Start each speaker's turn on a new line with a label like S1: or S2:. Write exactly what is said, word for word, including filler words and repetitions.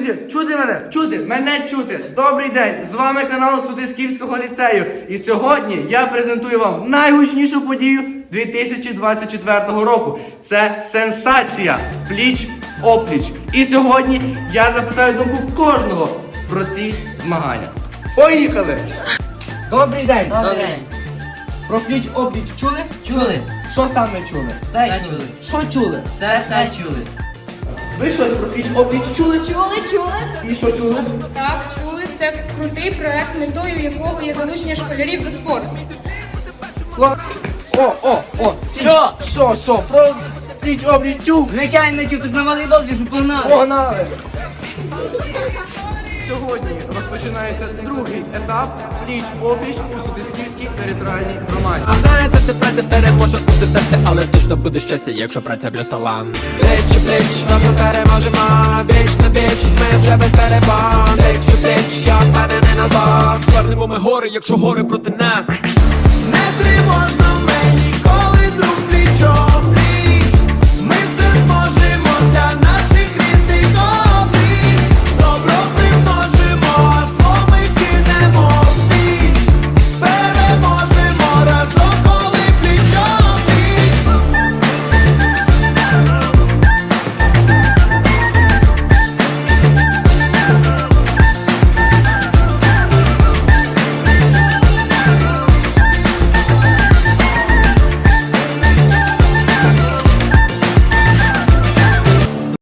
S1: чути, чути мене, чути, мене чути. Добрий день, з вами канал Судисківського ліцею. І сьогодні я презентую вам найгучнішу подію дві тисячі двадцять четвертого року. Це сенсація пліч-опліч. І сьогодні я запитаю думку кожного про ці змагання. Поїхали! Добрий день!
S2: Добрий день.
S1: Про пліч-опліч чули?
S2: Чули?
S1: Що саме чули?
S2: Все чули.
S1: Що чули?
S2: Все, все чули.
S1: Ви щось про пліч-опліч чули?
S3: Чули, чули?
S1: І що чули?
S3: Так, чули. Це крутий проект, метою якого є залучення школярів до спорту.
S1: О, о, о!
S2: Що?
S1: Що, що? Про пліч-опліч чув?
S2: Звичайно, чув, ти ж на малий дозвіл, що погнали.
S1: Погнали! Сьогодні розпочинається другий етап пліч-опліч у Судисківській територіальній громаді.
S4: А знаєте, ти праця переможе у дитинстві, але точно буде щастя, якщо праця плюс талант. Пліч у пліч, разом переможемо, віч на віч, ми вже без перебан. Пліч у пліч, як мене не назвав. Звернемо ми гори, якщо гори проти нас. Не